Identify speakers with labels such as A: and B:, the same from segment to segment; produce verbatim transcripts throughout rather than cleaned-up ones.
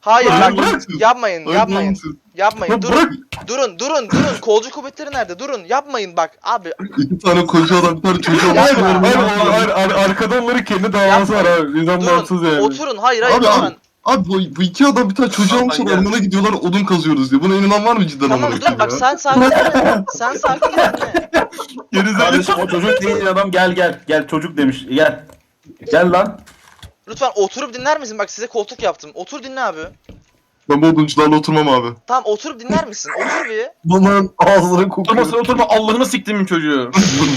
A: Hayır
B: Hayır,
A: bak
B: bırak.
A: yapmayın
B: Hayır,
A: yapmayın.
B: namussuz.
A: Yapmayın
B: Lan
A: durun.
B: bırak.
A: Durun durun durun. Kolcu kuvvetleri nerede? Durun yapmayın bak abi.
B: İki tane koca adam bir tane çocuğa
A: Yapma.
B: bakıyorlar.
C: Hayır,
B: Ne
C: hayır,
B: yapıyorlar?
C: hayır, ar- arkada onların kendi davası var
A: Yapmayın.
C: abi. Nizam bağımsız
A: Durun
C: yani.
A: oturun. Hayır hayır
B: Abi
A: lütfen.
B: abi. Abi bu, bu iki adam bir tane çocuğu
D: Hasan
B: almışlar
D: gel.
B: ormana gidiyorlar odun kazıyoruz diye. Buna inanan var mı cidden
A: Tamam
B: amına
A: dur bak
B: koyayım ya?
A: sen sakin ol. Sen sakin ol. dinle.
B: Gerizekalı.
E: Kardeşim o çocuk değil adam, gel gel. Gel çocuk demiş. Gel. Gel lan.
A: Lütfen oturup dinler misin? Bak size koltuk yaptım. Otur dinle abi.
B: Ben bu oduncularla oturmam abi.
A: Tamam oturup dinler misin? Otur bir.
C: Bunların ağızları
D: Oturma
C: kokuyor.
D: sen oturma Allah'ını siktimin çocuğu.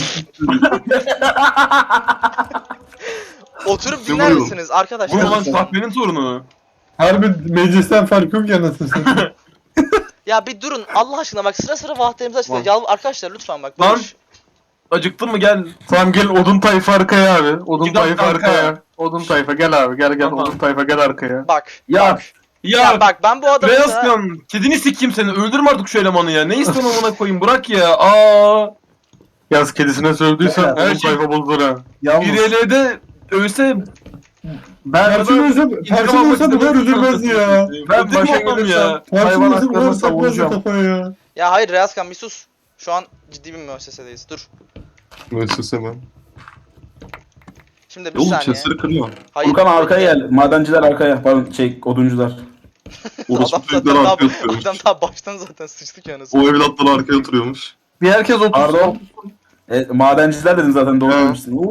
A: Oturup
B: Ne
A: dinler
B: vuruyorum?
A: misiniz
D: Bu
A: arkadaşlar?
D: lan kahvenin sorunu.
C: Harbi meclisten fark yok ya nasıl satayım.
A: Ya bir durun Allah aşkına bak sıra sıra vaatlerimizi açıklayın.
D: Tamam.
A: Yal arkadaşlar lütfen bak.
D: Lan.
A: Barış.
D: Acıktın mı gel.
C: Tamam gel odun tayfa arkaya abi. Odun
D: İki dakika
C: tayfa arkaya.
D: arkaya.
C: Odun tayfa gel abi gel gel
D: Tamam.
C: odun tayfa gel arkaya.
A: Bak.
E: Ya.
A: Bak.
D: Ya,
A: Ya bak ben bu adamı
D: Beyaz
A: sana...
D: kan. Kedini sikeyim seni. Öldürme artık şu elemanı ya. Ne istiyorsun amına koyayım? Bırak ya. Aa.
C: Yaz kedisine sövdüysen
E: Ya,
C: odun
D: her şey-
C: tayfa bozulur ha.
D: Bir L L'de ölse
C: Ben
D: Perçin
C: ölsem,
D: İntikam
C: Perçin
D: almak
C: ölse bunlar
D: istemezdim.
C: üzülmez ya.
D: Ben
E: Ben başa
D: olmam
E: gelirsem
D: ya.
C: Perçin
E: hayvan
C: ölse bunlar
E: haklarını
C: takmaz ya
E: savunacağım.
C: kafaya ya.
A: Ya hayır Reyazkan bir sus. Şu an ciddi bir müessesedeyiz. Dur.
B: Müessese ben.
A: Şimdi bir
B: Oğlum
A: saniye.
B: chestleri kırma.
A: Hayır.
E: Furkan arkaya gel. Madenciler arkaya. Pardon şey oduncular.
B: Orospu
A: Adam
B: çocukları
A: zaten daha,
B: arkaya oturuyormuş.
A: adam daha baştan zaten sıçtık yani.
B: O evlatları arkaya oturuyormuş.
C: Bir herkes otursun.
E: Pardon. E, madenciler dedin zaten doğru
B: Ha.
E: demişsin.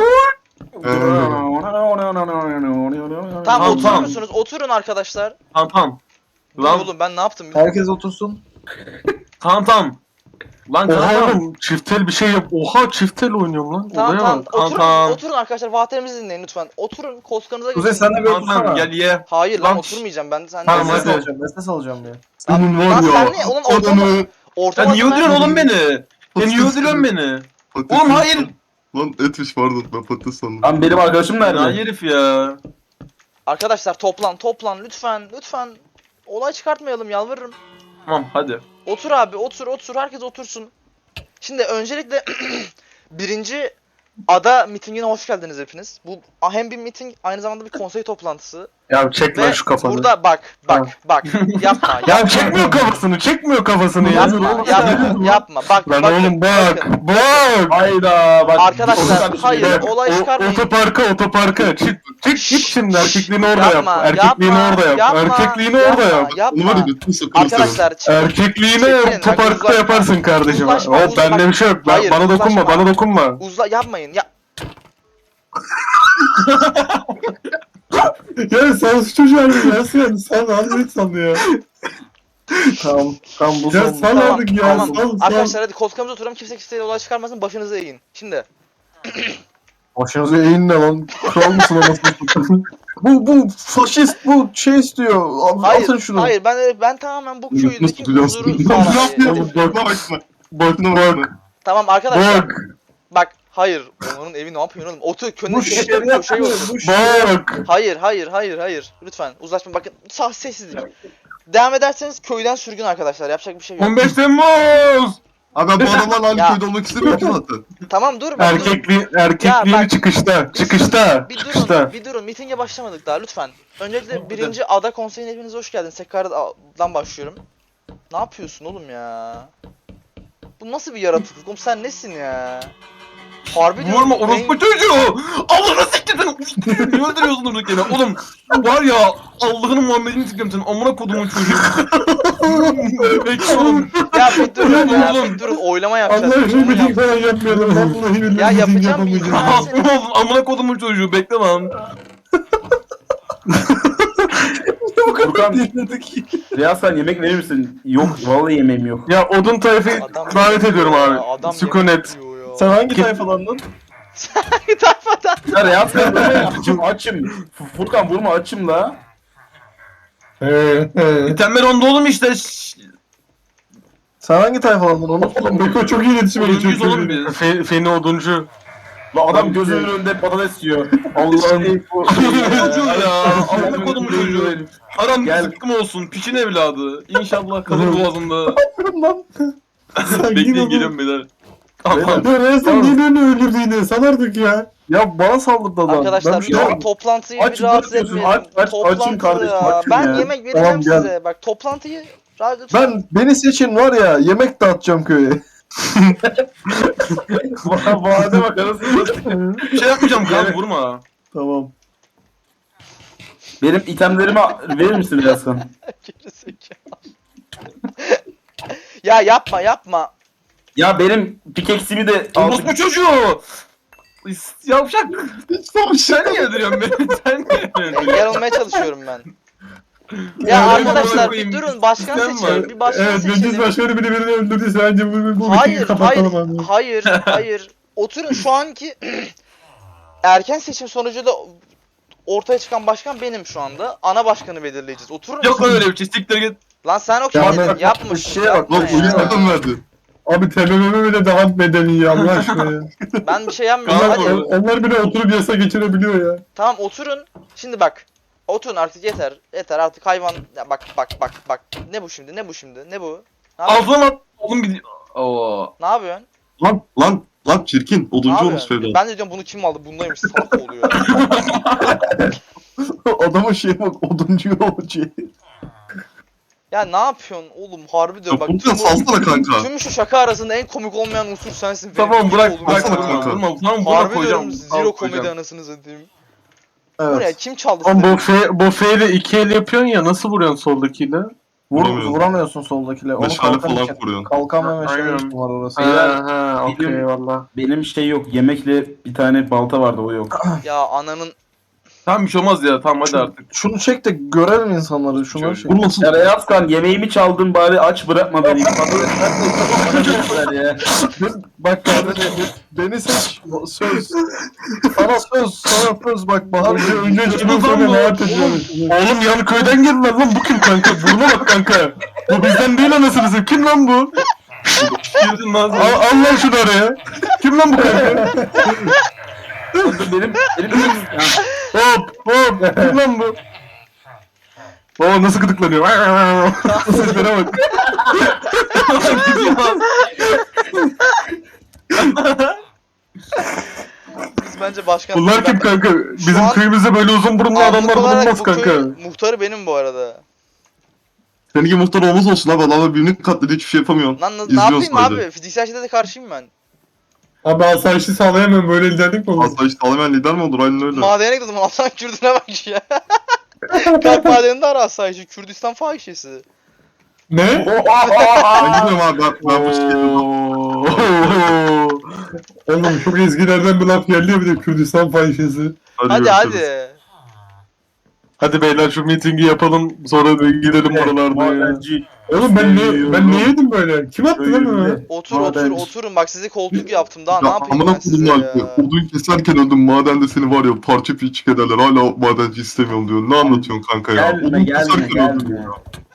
A: Tamam
D: Tamam,
A: oturur
D: tamam.
A: musunuz? Oturun arkadaşlar.
D: Tamam tamam.
A: Dur
D: Lan
A: oğlum ben ne yaptım?
C: Herkes otursun.
D: tamam tamam. Lan
C: Oha
D: tamam.
C: oğlum çiftel bir şey yap. Oha çiftel oynuyorum lan.
A: Tamam
C: Olaya
A: tamam.
C: bak.
A: Oturun,
D: tamam.
A: oturun arkadaşlar. Vaatlerimizi dinleyin lütfen. Oturun koltuklarınıza
E: Kuzey
A: geçin.
E: sen de bir
D: Tamam tamam
E: otursana.
D: gel ye.
A: Hayır lan
D: Lan-
A: oturmayacağım ben. Sen
C: Tamam,
A: Sen-
C: hadi.
E: alacağım. Nefes alacağım ya.
B: Senin var
A: Lan
B: ya.
A: sen ne? Oğlum ortama-
B: Adamı.
A: Orta
D: Ya niye
A: basın
D: öldürüyorsun
A: ver-
D: oğlum beni? Ya niye öldürüyorsun beni?
B: Patates-
D: Oğlum hayır.
B: Lan etmiş pardon ben patates sandım.
E: Lan benim arkadaşım
D: Ya
E: nerede?
D: herif ya.
A: Arkadaşlar toplan toplan lütfen lütfen. Olay çıkartmayalım yalvarırım.
D: Tamam hadi.
A: Otur abi otur otur herkes otursun. Şimdi öncelikle birinci ada mitingine hoş geldiniz hepiniz. Bu hem bir miting aynı zamanda bir konsey toplantısı.
C: Ya çek lan
A: Ve
C: şu kafanı.
A: burada bak bak bak yapma
C: Ya
A: yapma.
C: çekmiyor kafasını, çekmiyor kafasını ya.
A: Yapma yapma yapma bak
C: Lan
A: bakın,
C: oğlum bak,
A: bakın.
C: bak.
E: Hayda bak.
A: Arkadaşlar,
E: Bak,
A: hayır.
C: Bak,
A: olay
C: o-
A: çıkarmayın.
C: Otoparka, otoparka. Çık, çık git şimdi erkekliğini orada yap.
A: Yapma,
C: Erkekliğini
A: yapma,
C: orada yap.
A: yapma,
C: Erkekliğini
A: yapma,
C: orada yap.
B: Bunu var ya
A: Yapma.
B: götünü sokarım seni.
A: Arkadaşlar çıkın.
C: Erkekliğini
A: Çekilin, bak,
C: otoparkta
A: uzlaşma.
C: yaparsın kardeşim.
A: Uzlaşma,
C: Hop
A: uzlaşma.
C: bende bir şey yok. Ben-
A: Hayır,
C: bana dokunma,
A: uzlaşma.
C: bana dokunma.
A: Uzla yapmayın ya.
C: Ya sen şu çocuğu harbi ya sen. Sen harbi sandı ya.
E: Tamam. Tamam bu
C: Ya
E: son.
C: sal
A: Tamam,
C: artık ya.
A: tamam.
C: Sal, sal.
A: Arkadaşlar hadi koltuğumuza oturalım kimse kimseye olay çıkarmasın başınızı eğin. Şimdi
C: Başınıza eğin ne lan? Kral mısın anasını? Bu, bu faşist, bu şey istiyor. Al-
A: hayır
C: Atın şunu.
A: hayır ben ben tamamen bu
B: Götünü
A: köydeki
B: tutacağım
A: huzuru
B: seni. Ne
A: sağlamayı.
B: yapıyorsun? Bakma bakma. Bakma bakma.
A: Tamam arkadaşlar
C: Bak,
A: bak hayır onun evi ne yapıyorsun oğlum? Otur
E: Bu
A: könül
E: şeref
A: köşeye
E: yapıyor.
A: otur.
E: Bu şeref.
C: bak.
A: Hayır hayır hayır hayır lütfen uzlaşma bakın sağ sessizlik. Devam ederseniz köyden sürgün arkadaşlar yapacak bir şey yok.
D: on beş Temmuz.
B: Abi ben bu adamlarla aynı
A: Ya.
B: köyde olmak istemiyorum ki zaten.
A: Tamam dur bak dur.
C: Erkekli, erkekliğini
A: Ya bak-
C: çıkışta, çıkışta,
A: Bir durun,
C: çıkışta.
A: bir durun. Mitinge başlamadık daha lütfen. Öncelikle birinci ada konseyine hepiniz hoş geldiniz. Tekrardan başlıyorum. Ne yapıyorsun oğlum ya? Bu nasıl bir yaratıklık? Oğlum sen nesin ya? Harbi diyorum.
D: Vurma
A: en-
D: orospu çocuğu. Allah'ını siktirdin. Niye öldürüyorsun durduk yere? Oğlum var ya Allah'ın Muhammed'ini siktim senin. Amına kodumun çocuğu. Bekle oğlum.
A: Ya bir durun ya,
D: Oğlum.
A: bir durun. Oylama yapacağız.
C: Allah için
A: Oylama
C: miting
A: yap-
C: falan yapmayalım. Vallahi billahi
A: Ya
C: miting
A: yapacağım bir
C: yapamayacağım.
A: izin
D: Oğlum amına kodumun çocuğu bekle lan.
E: Furkan. Riyaz sen yemek verir misin? Yok vallahi yemeğim yok.
C: Ya odun tayfı
A: Adam
C: davet
A: yemek
C: ediyorum
A: yiyor
C: abi.
A: ya, adam
C: Sükunet.
A: yemek yiyor ya.
C: Sen hangi
E: Kim-
C: tayfalandın?
A: Bir tayfadan.
E: Ya Riyaz sen böyle açım açım. F- Furkan vurma açım la.
C: He he.
D: Temel onda oğlum işte. Şşş.
C: Sen hangi tayfalandın onu? Beko çok iyi iletişime
D: Oduncuyuz
C: geçiyor.
D: oğlum biz.
C: Fe, Feni oduncu.
E: La adam gözünün önünde patates yiyor. Allah'ım.
D: Çocuğu ya. Amına kodumun çocuğu. Haram
E: Gel.
D: zıkkım olsun. Piçin evladı. İnşallah kalır boğazında.
C: Lan. Sen
D: Bekleyin
C: yine bu-
D: geliyorum beyler. Tamam.
C: Beyler,
F: Ya Resul niye beni öldürdü yine? Sal artık ya.
C: Ya bana saldırdı adam.
A: Arkadaşlar
C: Ben bir şey
A: lütfen
C: yapmadım.
A: toplantıyı
E: Aç,
A: bir rahatsız
E: bırakıyorsun.
A: etmeyelim.
E: Aç, aç, açım
A: Toplantı
E: kardeşim,
A: ya.
E: açım
A: Ben
E: ya.
A: yemek vereceğim
C: Tamam, gel.
A: size. Bak toplantıyı ra- lütfen.
C: Ben beni seçin var ya, yemek dağıtacağım köye.
E: Vade bak arasında.
D: Bir şey yapmayacağım kanka vurma.
C: Tamam.
E: Benim itemlerimi verir misin Yazkan?
A: Gerizekalı. Ya yapma yapma.
E: Ya benim pikeksimi de
D: Orospu
E: aldık.
D: çocuğu. Yavşak. Sen niye öldürüyorsun beni? Sen niye öldürüyorsun?
A: Yer olmaya çalışıyorum ben. Ya
D: Ya
A: arkadaşlar
D: amına
A: bir
D: koyayım,
A: durun başkan
D: sistem
A: seçelim.
D: var.
A: Bir başkan
F: Evet, meclis
A: seçelim.
F: başkanı biri birini öldürdüyse bence bu, bu, bu
A: Hayır,
F: mitingi kapatalım
A: hayır,
F: abi.
A: hayır, hayır. Oturun şu anki erken seçim sonucunda ortaya çıkan başkan benim şu anda. Ana başkanı belirleyeceğiz. Oturun.
D: Yok öyle bir şey siktir git.
A: Lan sen o
C: Ya
A: kimdin?
C: bak,
A: Yapma.
C: şeye
A: yapma
C: bak,
B: Lan oyun
A: ya.
B: neden verdi?
F: Abi T B M M bile daha medeni ya Allah aşkına ya.
A: Ben bir şey yapmıyorum.
F: onlar,
A: Hadi.
F: onlar bile oturup yasa geçirebiliyor ya.
A: Tamam oturun. Şimdi bak. Oturun artık yeter. Yeter artık hayvan. Ya bak bak bak bak. Ne bu şimdi? Ne bu şimdi? Ne bu? Ne yapıyorsun?
D: Ağzına at. Oğlum gidiyor. Oo.
A: Ne yapıyorsun?
B: Lan lan lan çirkin.
A: Ne
B: Oduncu olmuş
A: yapıyorsun?
B: Fevlan.
A: Ben de diyorum bunu kim aldı? Bundaymış. Salak oluyor.
C: Adamın şeye bak, oduncu yolcu.
A: Ya ne yapıyorsun oğlum? Harbi diyorum
B: Ya
A: bak.
B: Furkan
A: Tüm, bu,
B: salsana kanka.
A: tüm şu şaka arasında en komik olmayan unsur sensin.
D: Tamam
A: Benim
D: bırak
A: oğlum.
D: bırak
B: Baksana
D: vurma
B: kanka.
D: vurma. Tamam buna
A: Harbi
D: koyacağım.
A: diyorum
D: Tamam,
A: zero komedi
D: koyacağım.
A: anasını satayım. Bu ne?
C: Evet.
A: Kim çaldı
F: Lan
A: size?
F: bu fe, bu feyle iki el yapıyorsun ya, nasıl vuruyorsun soldakiyle?
C: Vur,
B: Vuramıyorum.
C: vuramıyorsun soldakiyle. Onu
B: Meşale
C: kalkan
B: falan
C: için.
B: koruyorsun.
C: Kalkan ve meşale
F: Aynen.
C: için var orası.
F: Ha ha okey
E: Benim-
F: valla.
E: Benim şey yok. Yemekle bir tane balta vardı o yok.
A: Ya ananın
D: Tamam bir şey olmaz ya. Tamam hadi artık.
C: Şunu çek de görelim insanları, şunları çek.
B: Vurmasın.
E: Ya Yazkan yemeğimi çaldın bari aç bırakma beni. Patatesler ya.
C: Bak kardeşim, beni seç. Söz. Sana söz, sana söz. Bak Bahar
F: Önce,
C: Bey.
F: önce şunu
D: Oğlum,
F: sonra
D: oğlum.
F: ne yapacağım? Oğlum yan köyden geldiler lan, bu kim kanka? Buruna bak kanka. Bu bizden değil anasını satayım. Kim lan bu?
D: Girdin lan
F: Al,
D: sen.
F: al lan şunu araya. Kim lan bu kanka?
E: benim benim benim ya.
F: Hop hop. Kim lan bu? Oo nasıl gıdıklanıyor. Seslere bak.
A: biz bence başkan...
F: Bunlar kim kanka? Bizim
A: an-
F: köyümüzde böyle uzun burunlu
A: Anlık
F: adamlar
A: olarak
F: bulunmaz
A: bu
F: kanka.
A: köyün muhtarı benim bu arada.
B: Seninki muhtar olmaz olsun abi. Adamlar birbirini katlediyor, hiçbir şey yapamıyorsun.
A: Lan ne
B: İzliyoruz
A: yapayım
B: sadece.
A: abi? Fiziksel şiddete karşıyım ben.
F: Abi asayişi sağlayamıyorum, böyle liderlik mi olur?
B: Asla işte alamayan lider mi olur? Aynen öyle.
A: Madene gittim Allah'ın Kürdüne bak ya. Kalk madeninde ara asayişi. Kürdistan fahişesi.
F: Ne?
B: Ben gidiyorum abi. Ben, ben bu şekilde...
F: Oğlum çok ezgilerden bir laf geldi ya, bir de Kürdistan fahişesi.
A: Hadi
B: görüşürüz.
A: hadi.
F: Hadi beyler şu mitingi yapalım, sonra da gidelim buralarda ya.
E: Madenci.
F: Oğlum ben ne ben ne yedim böyle? Kim attı lan bunu?
E: Köyünde.
A: Otur
C: Madenci.
A: otur oturun bak size koltuk yaptım daha ne
B: Ya
A: yapayım
B: amına
A: ben size
B: koydum
A: ya.
B: lan. Odun keserken öldüm. Madende seni var ya parça pinçik ederler. Hala madenci istemiyorum diyor. Ne anlatıyorsun kanka ya?
E: Gelme
B: Odun
E: gelme
B: keserken öldüm
E: gelme.
B: ya.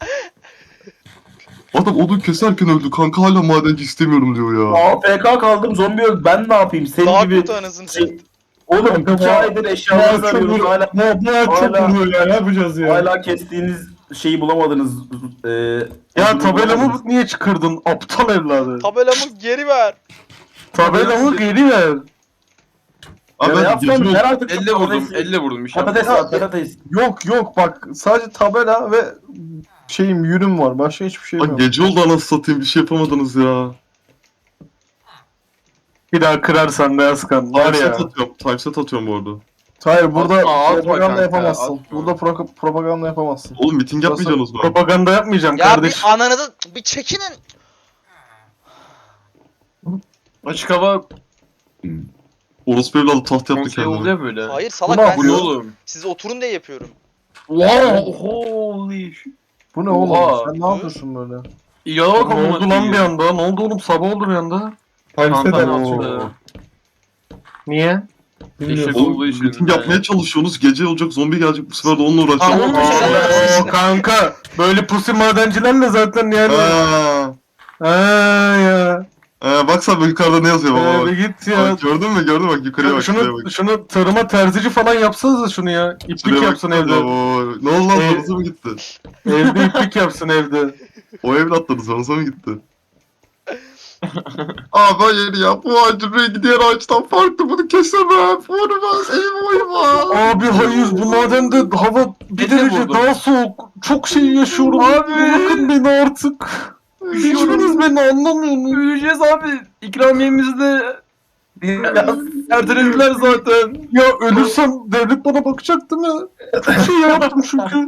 B: Adam odun keserken öldü. Kanka hala madenci istemiyorum diyor ya.
E: A F K kaldım zombi öldü. Ben ne yapayım? Senin
A: Daha
E: gibi
A: kötü anasını
E: şey-
A: satayım.
E: oğlum
F: Kanka,
E: iki
F: bu-
E: aydır
F: Bu
E: eşyalarınızı
F: ağaç çok
E: arıyoruz
F: vuruyor.
E: hala.
F: Bu, bu ağaç çok
E: hala-
F: vuruyor ya, ne yapacağız ya?
E: Hala kestiğiniz şeyi bulamadınız. Ee,
F: Ya
E: odunu
F: tabelamı
E: bulamadınız.
F: niye çıkardın aptal evladı?
A: Tabelamı geri ver.
F: Tabelamı geri ver.
B: Abi
E: Ya
B: ben
E: yapsam
B: gece
E: ver artık.
D: Elle vurdum.
E: patates-
D: Elle vurdum bir şey.
E: Patates var patates.
C: Yok yok bak, sadece tabela ve şeyim, yünüm var. Başka hiçbir şeyim
B: Lan
C: yok.
B: gece oldu anasını satayım. Bir şey yapamadınız ya.
F: Bir daha kırarsan da Yazkan var
B: Timeset
F: ya.
B: atıyorum. Timeset atıyorum bu arada.
C: Hayır, burada
D: Atma, atma
C: propaganda
D: kanka,
C: yapamazsın.
D: atma.
C: Burada pro- propaganda yapamazsın.
B: Oğlum miting yapmayacaksınız mı?
F: Propaganda yapmayacağım
A: Ya
F: kardeş.
A: bir ananı da bir çekinin.
D: Açık hava
B: Orospu evladı taht yaptı
D: konsey oldu
B: kendine.
D: ya böyle.
A: Hayır salak
C: Ulan
A: ben
D: Bu ne
A: siz,
D: oğlum?
A: siz oturun diye yapıyorum.
D: Wow, holy shit.
C: Bu ne oğlum?
D: Oha.
C: Sen ne yapıyorsun böyle?
D: Ya bak
F: Ne oldu lan bir anda? Ne oldu oğlum? Sabah oldu bir anda.
D: Kanka
F: Times'e de.
D: açtı.
F: Niye?
D: Eşek
F: Bilmiyorum.
B: Oğlum
D: olduğu için.
B: miting yapmaya çalışıyorsunuz. Gece olacak, zombi gelecek. Bu sefer de onunla
D: Aa,
B: uğraşacağım.
F: Oo, kanka böyle pusi madencilerle zaten yani.
B: Eee.
F: Ha ya.
B: Ee, bak sen bak yukarıda ne yazıyor baba
F: Ee,
B: bak.
F: bir git ya.
B: Bak, gördün mü gördün mü? bak yukarıya bak şuraya
F: Şunu,
B: bak.
F: şunu tarıma terzici falan yapsanız da şunu ya. İplik
B: Şuraya
F: yapsın
B: bak.
F: evde.
B: Oo, ne oldu lan
F: Ee,
B: zorunuza mı gitti?
F: Evde iplik yapsın evde.
B: O evlatları zorunuza mı gitti? Abi hayır ya bu ağacın rengi diğer ağaçtan farklı bunu kesemem. Vurmaz elim uyma.
F: Abi hayır bu madende hava bir
D: Beni
F: derece
D: vurdu.
F: daha soğuk. Çok şey yaşıyorum. Abi bırakın beni artık. Hiçbiriniz beni anlamıyorsunuz.
D: Öleceğiz abi. İkramiyemizi de ertelediler zaten.
F: Ya ölürsem devlet bana bakacak değil mi? Çok şey yaptım çünkü.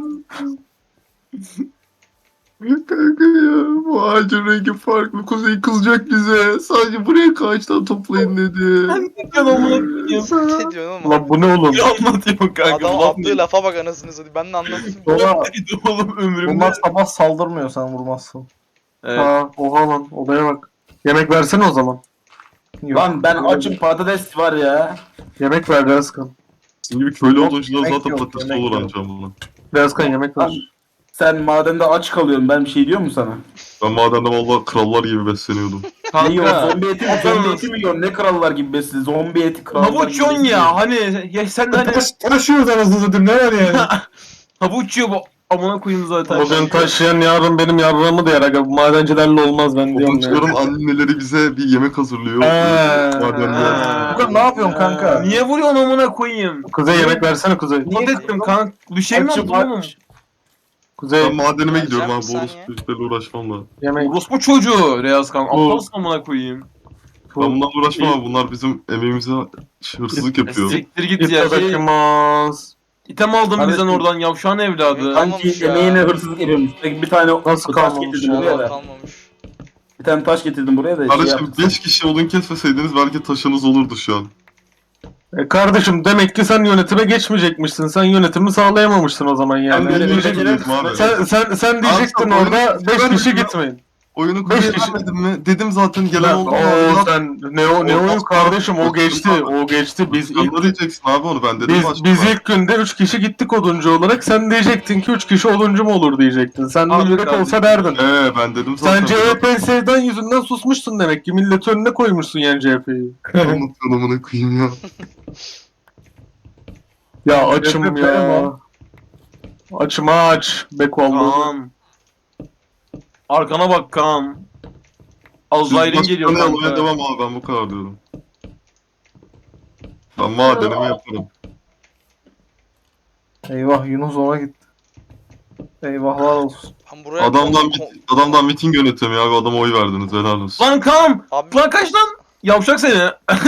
B: Kanka ya bu ağacın rengi farklı. Kuzey kızacak bize. Sadece buraya ağaçtan toplayın dedi.
D: Ne diyorsun amına koyayım?
A: Ne diyorsun oğlum?
F: Lan bu ne oğlum?
D: Ne anlatıyorsun kanka?
A: Adam
D: Laf
A: attığı lafa bak anasını satayım. Ben de anlatayım.
C: Baba
D: neydi oğlum ömrümde?
C: bunlar sabah saldırmıyor sen vurmazsın.
D: Evet.
F: Ha, oha lan olaya bak. Yemek versene o zaman.
C: Yok.
E: Lan ben açım patates var ya.
F: Yemek ver Rezkan.
B: Sizin gibi köylü
C: Yok,
B: olduğunuz
C: yemek
B: zaten
C: yok,
B: patates
C: yemek
B: olur
C: yok.
B: ancak bunlar.
F: Rezkan yemek
E: Lan
F: ver.
E: sen madende aç kalıyorsun. Ben bir şey diyor mu sana?
B: Ben madende valla krallar gibi besleniyordum.
E: Ne yiyorsun?
D: Kanka.
E: Zombi eti mi? Zombi eti mi yiyorsun? Ne krallar gibi besli? Zombi eti krallar gibi
D: Havuç yiyorsun ya hani ya sen de hani
F: Taş, taşıyoruz anasını satayım ne var yani?
D: havuç yiyor bu amına koyayım zaten.
F: Bugün taşıyan yarın benim yarrağımı da yer aga. Bu madencilerle olmaz ben diyorum ya.
B: Komşuların anneleri bize bir yemek hazırlıyor.
F: Ee,
B: Madende.
D: Ha.
C: Furkan ne yapıyorsun kanka?
D: Niye vuruyorsun amına koyayım?
F: Kuzey yemek versene Kuzey.
D: Ne dedim kanka? Bir şey mi
E: Açım,
D: yaptın oğlum?
E: aç.
F: Kuzey
B: Ben madenime gidiyorum
A: Vereceğim
B: abi.
A: bir
B: Bu
A: saniye.
B: orospu işlerle uğraşmam da.
F: yemek.
D: Orospu çocuğu Reyaz kan.
F: Bu-
D: Aptalsın amına koyayım.
B: Ben bunlarla uğraşmam abi. Bunlar bizim emeğimize hırsızlık yapıyor.
D: Siktir git
F: Git
D: ya. Şey,
F: bırakılmaz.
D: item aldın
E: Kardeşim.
D: bizden oradan yavşan evladı.
A: Yok,
E: Sanki
A: Kalmamış ya.
E: emeğine hırsızlık yapıyormuş. Peki bir tane
F: Nasıl
E: taş
F: kalmamış
E: getirdim
F: ya?
E: buraya
A: Allah
E: da.
A: kalmamış.
E: Bir tane taş getirdim buraya da. Şey
B: Kardeşim
E: yaptım.
B: beş kişi odun kesmeseydiniz belki taşınız olurdu şu an.
F: E kardeşim demek ki sen yönetime geçmeyecekmişsin. Sen yönetimi sağlayamamışsın o zaman yani.
B: Ben de
E: öyle
B: diyecektim
E: beceririm.
B: abi.
F: Sen sen sen diyecektin
B: Abi,
F: orada
B: oyunu-
F: beş
B: ben-
F: kişi gitmeyin.
B: Oyunu
F: Beş
B: kuruyor
F: kişi-
B: demedim mi? Dedim zaten gelen oldu.
F: Oo sen ne o ne
B: Olmaz.
F: oyun kardeşim o geçti. O geçti. Biz
B: Sen
F: ilk
B: de diyeceksin abi onu ben dedim
F: biz
B: başta.
F: biz ilk günde üç kişi gittik oduncu olarak. Sen diyecektin ki üç kişi oduncu mu olur diyecektin. Sen de
D: Abi
F: yürek
D: kardeşim.
F: olsa derdin.
B: Ee ben dedim zaten.
F: Sen C H P sevdan yüzünden susmuşsun demek ki. Millet önüne koymuşsun yani C H P'yi.
B: Anlatın amına koyayım ya.
F: Ya açım
C: C H P
F: ya.
C: mi?
F: Açım aç. Beko Allah.
D: Kaan. Arkana bak Kaan. Azrail'in geliyor
B: Başkanı almaya
D: kanka.
B: devam abi ben bu kadar diyorum. Ben madenimi yaparım.
C: Eyvah Yunus ona gitti. Eyvahlar olsun.
A: Ben buraya
B: Adamdan
A: kon-
B: mit- adamdan miting yönetemiyor abi adama oy verdiniz helal olsun.
D: Lan Kaan!
A: Abi
D: Lan kaç lan? Yavşak seni.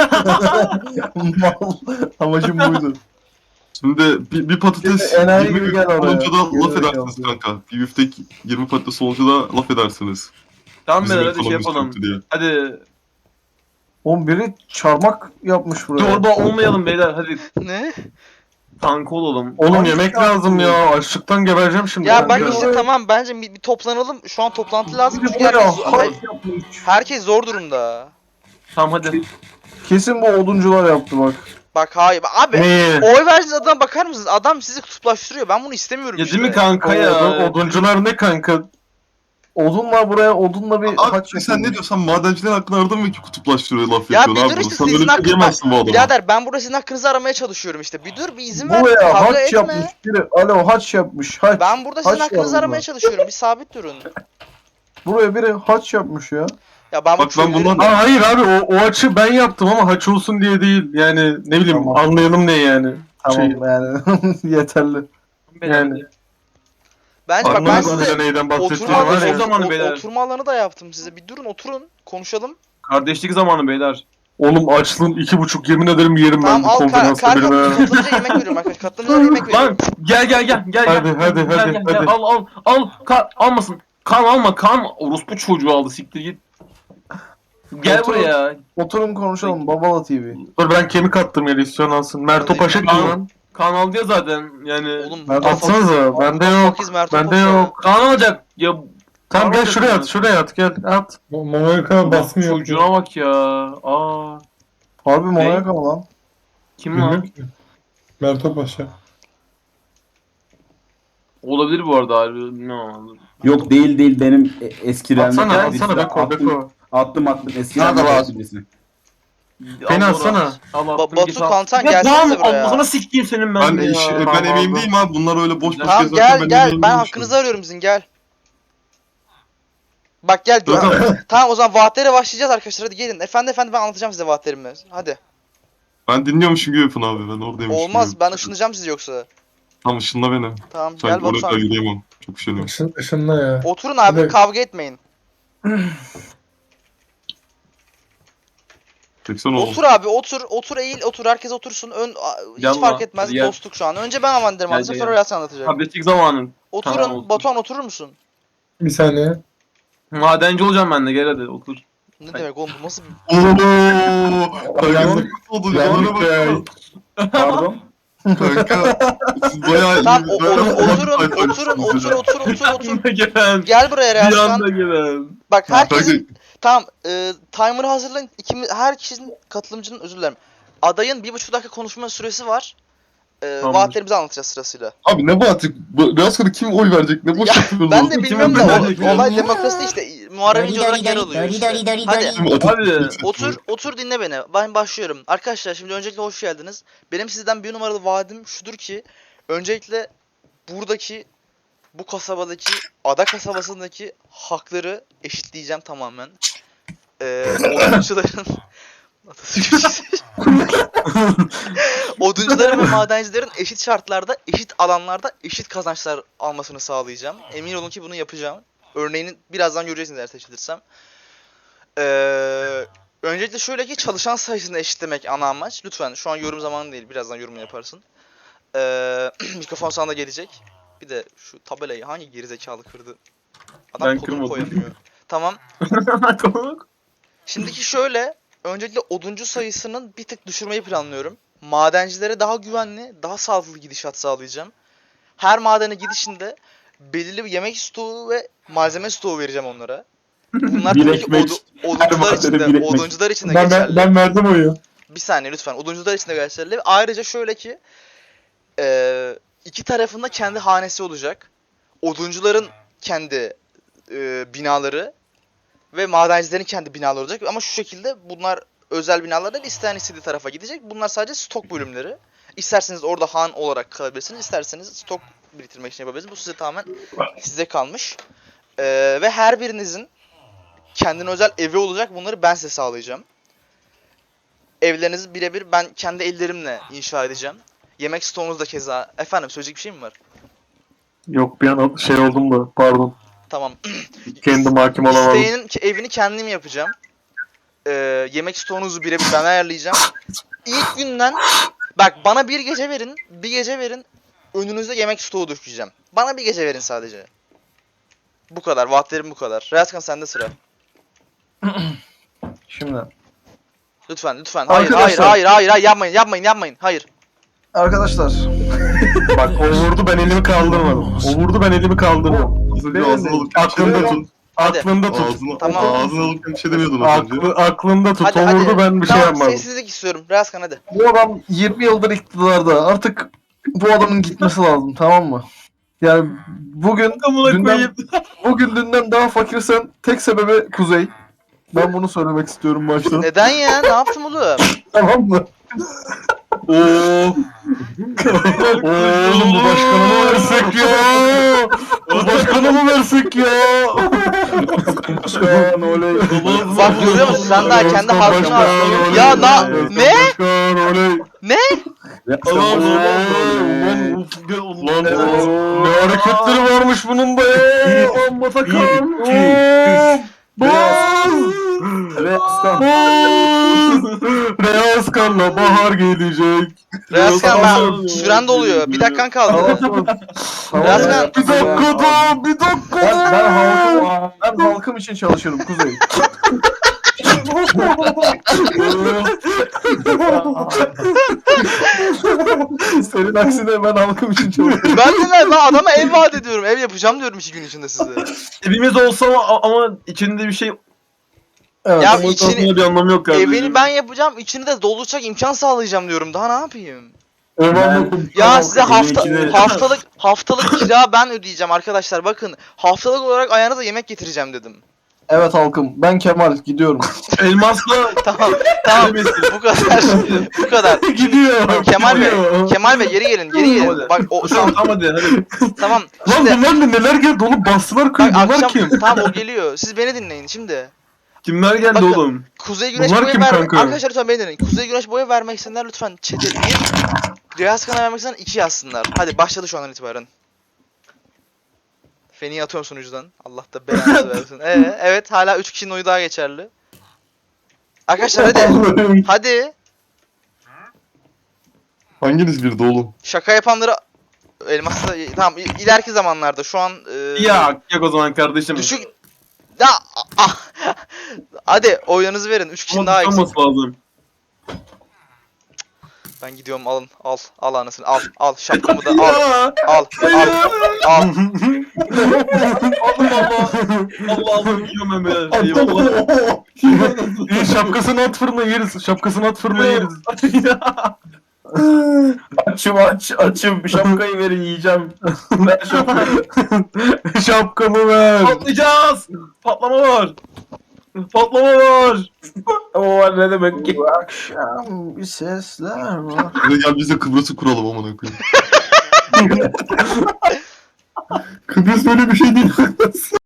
C: Mal. Amacım buydu.
B: Şimdi bir, bir patates
C: Şimdi enayi
B: yirmi
C: gibi gel
B: biftek
C: oraya.
B: olunca da laf
C: Geri
B: edersiniz
C: zekalı.
B: kanka. Bir biftek yirmi patates olunca da laf edersiniz.
D: Tamam
B: Bizim
D: beyler hadi şey
B: ekonomimiz
D: yapalım.
B: kötü diye.
D: Hadi.
C: Oğlum biri çarmak yapmış buraya.
D: Zorba olmayalım beyler hadi.
A: ne?
D: Kanka olalım.
F: Oğlum
C: Abi
F: yemek
C: ya.
F: lazım ya. Açlıktan gebereceğim şimdi.
A: Ya ben
F: kanka.
A: işte tamam bence bir, bir toplanalım. Şu an toplantı lazım
C: Biri
A: çünkü
C: buraya
A: herkes,
C: harç
A: her-
C: yapmış.
A: herkes zor durumda.
D: Tamam hadi.
C: Kesin bu oduncular yaptı bak.
A: Bak hayır abi
F: Neyi?
A: oy verdiğiniz adama bakar mısınız? Adam sizi kutuplaştırıyor. Ben bunu istemiyorum
D: Ya
A: işte.
D: değil mi kanka
F: Odun-
D: ya?
F: oduncular ne kanka?
C: Odunla buraya odunla bir
B: Abi
C: haç
B: sen ne
C: yapılmış.
B: diyorsan madenciler hakkında aradın mı ki kutuplaştırıyor laf
A: Ya
B: yapıyorsun
A: bir dur
B: abi.
A: işte
B: Sen
A: sizin
B: öyle bir şey
A: hakkınız.
B: diyemezsin bu adama.
A: Birader ben burada sizin hakkınızı aramaya çalışıyorum işte. Bir dur bir izin ver.
C: Buraya
A: Kavga
C: haç
A: etme.
C: yapmış biri. Alo haç yapmış. Haç.
A: Ben burada sizin
C: Haç var
A: hakkınızı
C: burada.
A: aramaya çalışıyorum. Bir sabit durun.
C: Buraya biri haç yapmış ya.
A: Ya ben bu
B: Bak ben
A: çöllerin-
B: bundan-
F: Aa, hayır abi o, o açı ben yaptım ama haç olsun diye değil. Yani ne bileyim
C: Tamam.
F: anlayalım ne yani.
C: Tamam
F: Şey,
C: yani yeterli.
F: Yani.
A: Bence bak ben
F: Anlamadın
A: size
F: bile neyden bahsettiğini
A: oturma,
F: var
D: o
F: ya.
D: zaman-
A: o-
D: beyler.
A: oturma alanı da yaptım size. Bir durun oturun konuşalım.
D: Kardeşlik zamanı beyler.
F: Oğlum açlığım iki buçuk yemin ederim yerim ben
A: Tamam
F: bu
A: al kar,
F: kombinasyonu
A: kar
F: benim ha.
A: katılınca yemek veriyorum arkadaşlar. Katılınca yemek veriyorum.
D: Lan gel gel gel gel.
F: Hadi,
D: gel.
F: hadi,
D: Gel,
F: hadi,
D: gel,
F: hadi.
D: gel. Al al al. Kan almasın. Kan alma kan. Orospu çocuğu aldı siktir git. Gel
C: Otur.
D: buraya.
C: Oturun konuşalım Babala T V.
F: Dur ben kemik attım yere istiyorsan alsın. Merto Paşa kim
D: Tamam.
F: lan?
D: Kan aldı ya zaten yani.
A: Oğlum
C: Ben
F: Atsanıza bende yok.
A: Fakiz Mert
F: Bende
A: Topal.
F: yok.
D: Kan alacak. Ya
F: Tamam gel
D: Tamam,
F: şuraya
D: dedim
F: at şuraya at gel at.
G: Monaco basmıyor.
D: çocuğuna bak ya. Aa.
C: Harbi Monaco mı lan?
D: Kim lan?
G: Bilmiyorum ki. Merto Paşa.
D: Olabilir bu arada harbi. Bilmiyorum.
E: Yok değil değil benim e- eski Real
F: Atsana
E: Madrid
F: atsana
E: birisi.
F: Beko
E: Attım,
F: Beko.
E: attım attım eski
F: Nerede
E: Real
F: var?
E: Madrid birisi.
F: Beni
D: Al,
F: atsana.
D: Al,
A: Ba-
D: attım,
A: Batu
D: git al.
A: Kantan
D: Ya
A: gelsene
D: tamam
A: buraya.
D: Allah'ına sikeyim senin ben,
B: Ben,
D: de ya.
B: iş, ben
F: Tamam,
B: emeğimdeyim abi bunlar öyle boş boş
A: Tamam
B: gezerken
A: gel gel
B: emeğimdeyim
A: ben
B: şu an.
A: hakkınızı arıyorum sizin gel. Bak gel gör.
B: Dorukhan,
A: Tamam o zaman vaatlere başlayacağız arkadaşlar. Hadi gelin. Efendi efendi ben anlatacağım size vaatlerimi. Hadi.
B: ben dinliyormuşum gibi yapın abi, ben oradaymışım
A: Olmaz.
B: gibi.
A: Ben ışınlayacağım sizi yoksa.
B: Tam ışınla beni.
A: Tamam
B: Sen
A: gel
B: oraya kadar
A: Batuhan.
B: yürüyemem. Çok üşeniyorum.
G: Işın, ışınla ya.
A: Oturun abi
G: Evet.
A: kavga etmeyin.
B: Çeksen oğlum.
A: Otur abi otur. Otur eğil otur. Herkes otursun. Ön a- hiç
D: Gel
A: fark
D: lan,
A: etmez.
D: hadi gel.
A: Dostluk şu an. Önce ben avanderim
D: Gel,
A: anlatacağım
D: gel,
A: sonra
D: gel.
A: Yasin anlatacak.
D: Tabletlik zamanın.
A: Oturun.
D: Tamam, olsun.
A: Batuhan oturur musun?
G: Bir saniye.
D: Madenci olacağım ben de gel hadi otur.
A: Ne demek oğlum bu nasıl bir...
B: Ooo! Kanka oldu.
F: Yanlış
B: Bana
F: ya.
B: bak.
E: Pardon.
B: Kanka. Siz bayağı iyi.
A: Tamam o, o-
B: bayağı
A: oturun
B: iyi
A: oturun
B: arkadaşsınız
A: otur
B: ya.
A: otur otur otur.
D: gelen.
A: Gel buraya
D: Bir anda
A: Reaskan.
D: gelen.
A: Bak
B: Kanka,
A: herkesin tamam e, timer'ı hazırlayın. İkimiz, her kişinin katılımcının özür dilerim. Adayın bir buçuk dakika konuşma süresi var. E,
D: Tamam.
A: vaatlerimizi anlatacağız sırasıyla.
B: Abi ne Bahattin? Biraz sonra kim oy verecek? Ne boş
A: Ya,
B: yapıyoruz
A: Ben
B: oğlum?
A: de bilmiyorum da
D: ben de
A: o- olay demokrasi işte. Muharrem İnce olarak yer alıyor işte. Hadi.
B: Kim ateş-
D: Abi,
B: ateş-
A: Otur, otur dinle beni. Ben başlıyorum. Arkadaşlar şimdi öncelikle hoş geldiniz. Benim sizden bir numaralı vaadim şudur ki öncelikle buradaki bu kasabadaki ada kasabasındaki hakları eşitleyeceğim tamamen. Ee, oduncuların oduncuların ve madencilerin eşit şartlarda, eşit alanlarda eşit kazançlar almasını sağlayacağım. Emin olun ki bunu yapacağım. Örneğini birazdan göreceksiniz eğer seçilirsem. Ee, öncelikle şöyle ki çalışan sayısını eşitlemek ana amaç. Lütfen şu an yorum zamanı değil. Birazdan yorumunu yaparsın. Ee, mikrofon sana da gelecek. Bir de şu tabelayı hangi gerizekalı kırdı? Adam
D: Ben
A: kodunu
D: kırmadım.
A: koyamıyor. Tamam.
D: tamam.
A: Şimdiki şöyle. Öncelikle oduncu sayısının bir tık düşürmeyi planlıyorum. Madencilere daha güvenli, daha sağlıklı gidişat sağlayacağım. Her madene gidişinde belirli bir yemek stoğu ve malzeme stoğu vereceğim onlara. Bunlar
E: Bir
A: tabii ki
E: ekmek.
A: odu- oduncular
E: madene
A: için
E: bir
A: de,
E: ekmek.
A: oduncular için de
G: Ben,
A: geçerli.
G: ben, ben verdim oyu.
A: Bir saniye lütfen. Oduncular için de geçerli. Ayrıca şöyle ki eee, iki tarafında kendi hanesi olacak. Oduncuların kendi eee, binaları ve madencilerin kendi binaları olacak. Ama şu şekilde bunlar özel binalar değil. İsteyen istediği tarafa gidecek. Bunlar sadece stok bölümleri. İsterseniz orada han olarak kalabilirsiniz. İsterseniz stok biriktirmek için yapabilirsiniz. Bu size tamamen size kalmış. Eee, ve her birinizin kendine özel evi olacak. Bunları ben size sağlayacağım. Evlerinizi birebir ben kendi ellerimle inşa edeceğim. Yemek stoğunuz da keza. Efendim söyleyecek bir şey mi var?
F: Yok bir an şey oldum da pardon.
A: Tamam.
F: Kendim hakim olamadım.
A: İsteyenin ki- evini kendim yapacağım. Ee, yemek stoğunuzu birebir ben ayarlayacağım. İlk günden bak bana bir gece verin. Bir gece verin. Önünüze yemek stoğu dökeceğim. Bana bir gece verin sadece. Bu kadar. Vaatlerim bu kadar. Reaskan sende sıra.
C: Şimdi
A: Lütfen lütfen. Hayır hayır
C: Arkadaşlar.
A: hayır hayır hayır yapmayın yapmayın yapmayın. Hayır.
C: arkadaşlar
F: Bak o vurdu ben elimi kaldırmadım. O vurdu ben elimi kaldırmadım.
B: Az önce ağzını alıp
F: Aklında tut.
A: Hadi.
F: Aklında tut.
B: Ağzını,
A: Tamam.
B: ağzını alıp bir şey demiyordun az önce.
F: Aklı, aklında tut.
A: Hadi
F: O
A: hadi.
F: vurdu ben bir şey
A: Tamam
F: yapmadım.
A: sessizlik istiyorum. Reaskan hadi.
C: bu adam yirmi yıldır iktidarda. Artık bu adamın gitmesi lazım, tamam mı? Yani bugün
D: Amına
C: dünden,
D: koyayım.
C: bugün dünden daha fakirsen tek sebebi Kuzey. Ben bunu söylemek istiyorum başta.
A: Neden ya? Ne yaptım oğlum?
C: Tamam mı?
F: Oo. Oğlum bu başkanı mı versek ya? Bu başkanı mı versek ya? Başkan oley.
A: Bak görüyor musun? Sen daha kendi halkını
F: Başkan,
A: al.
F: oley.
A: Ya na ne?
F: Başkan oley.
A: Ne?
F: Ulan ulan uf, gel ulan ne hareketleri varmış bunun da ya. Amma takan. Baz.
E: Reaskan.
F: Reaskan'la bahar gelecek.
A: Reaskan ben süren doluyor. Bir dakikan kaldı. Reaskan
F: Bir dakika da, bir dakika
C: Ben, ben,
F: da.
C: halkım, ben halkım için çalışırım Kuzey. Senin aksine ben halkım için çalışıyorum.
A: ben de lan ben adama ev vaat ediyorum. Ev yapacağım diyorum iki gün içinde size.
D: Evimiz olsa ama, ama içinde bir şey
C: Evet.
A: Ya
D: Ama
A: içini
D: içini... bir anlamı yok kardeşim.
A: evini ben yapacağım. İçini de dolacak imkan sağlayacağım diyorum. Daha ne yapayım?
F: Ben-
A: Ya size
E: evin
A: hafta
E: içine-
A: haftalık haftalık kira ben ödeyeceğim arkadaşlar. Bakın haftalık olarak ayağınıza yemek getireceğim dedim.
C: Evet halkım ben Kemal gidiyorum.
D: Elmasla
A: Tamam tamam bu kadar bu kadar.
F: Gidiyor.
A: Kemal Bey,
F: gidiyor.
A: Kemal Bey geri gelin geri gelin.
D: Hadi.
A: Bak o
D: tamam
A: son
D: tamam hadi hadi.
A: tamam.
F: Lan
A: Şimdi
F: bunlar ne neler geldi oğlum bastılar
A: bak
F: köyü bunlar
A: akşam
F: kim?
A: tamam o geliyor. Siz beni dinleyin şimdi.
D: Kimler geldi
A: Bakın.
D: oğlum?
A: Kuzey Güneş
F: Bunlar
A: boyu
F: kim
A: vermek
F: kanka?
A: arkadaşlar lütfen beni dinleyin. Kuzey Güneş boyu vermek isteyenler lütfen chat'e bir, Riyaz Kan'a vermek isteyenler iki yazsınlar. Hadi başladı şu andan itibaren. Feni'yi atıyorum sunucudan. Allah da belanızı versin. Ee, evet hala üç kişinin oyu daha geçerli. Arkadaşlar hadi. Hadi.
B: Hanginiz birdi oğlum?
A: Şaka yapanları elmasla tamam i- ileriki zamanlarda şu an e,
D: Ya yak o zaman kardeşim.
A: düşük ya ah, hadi oylarınızı verin. üç kişinin
D: Ama
A: daha eksik.
D: tutamması lazım.
A: Ben gidiyorum alın al al anasını al al şapkamı da al
D: Ya.
A: al al al.
D: Allah Allah. Allah Allah yiyorum ben böyle. Eyvallah.
F: İyi şapkasını at fırına yeriz. Şapkasını at fırına yeriz.
E: Açım aç açım. Bir şapkayı verin yiyeceğim. Ver şapkayı.
F: Şapkamı ver.
D: Patlayacağız. Patlama var. Patlama var.
E: O var ne demek ki?
C: Bu akşam bir sesler var.
B: Hadi gel biz de Kıbrıs'ı kuralım amına koyayım. Kıbrıs böyle bir şey değil.